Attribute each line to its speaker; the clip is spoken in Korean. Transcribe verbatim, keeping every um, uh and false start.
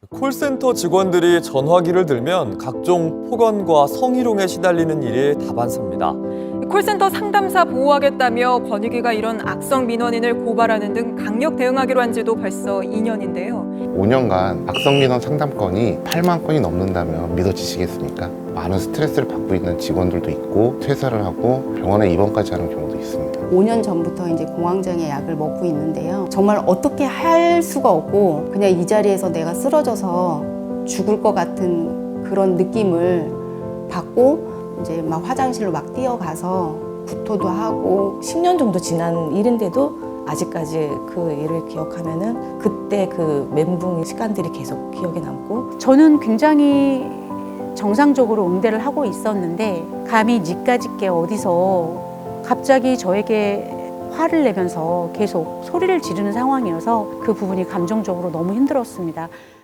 Speaker 1: 콜센터 직원들이 전화기를 들면 각종 폭언과 성희롱에 시달리는 일이 다반사입니다.
Speaker 2: 콜센터 상담사 보호하겠다며 권익위가 이런 악성 민원인을 고발하는 등 강력 대응하기로 한 지도 벌써 이 년인데요.
Speaker 3: 오 년간 악성민원 상담건이 팔만 건이 넘는다면 믿어지시겠습니까? 많은 스트레스를 받고 있는 직원들도 있고 퇴사를 하고 병원에 입원까지 하는 경우도 있습니다.
Speaker 4: 오 년 전부터 이제 공황장애 약을 먹고 있는데요. 정말 어떻게 할 수가 없고 그냥 이 자리에서 내가 쓰러져서 죽을 것 같은 그런 느낌을 받고 이제 막 화장실로 막 뛰어가서 구토도 하고
Speaker 5: 십 년 정도 지난 일인데도 아직까지 그 일을 기억하면은 그때 그 멘붕의 시간들이 계속 기억에 남고
Speaker 6: 저는 굉장히 정상적으로 응대를 하고 있었는데 감히 니까짓게 어디서 갑자기 저에게 화를 내면서 계속 소리를 지르는 상황이어서 그 부분이 감정적으로 너무 힘들었습니다.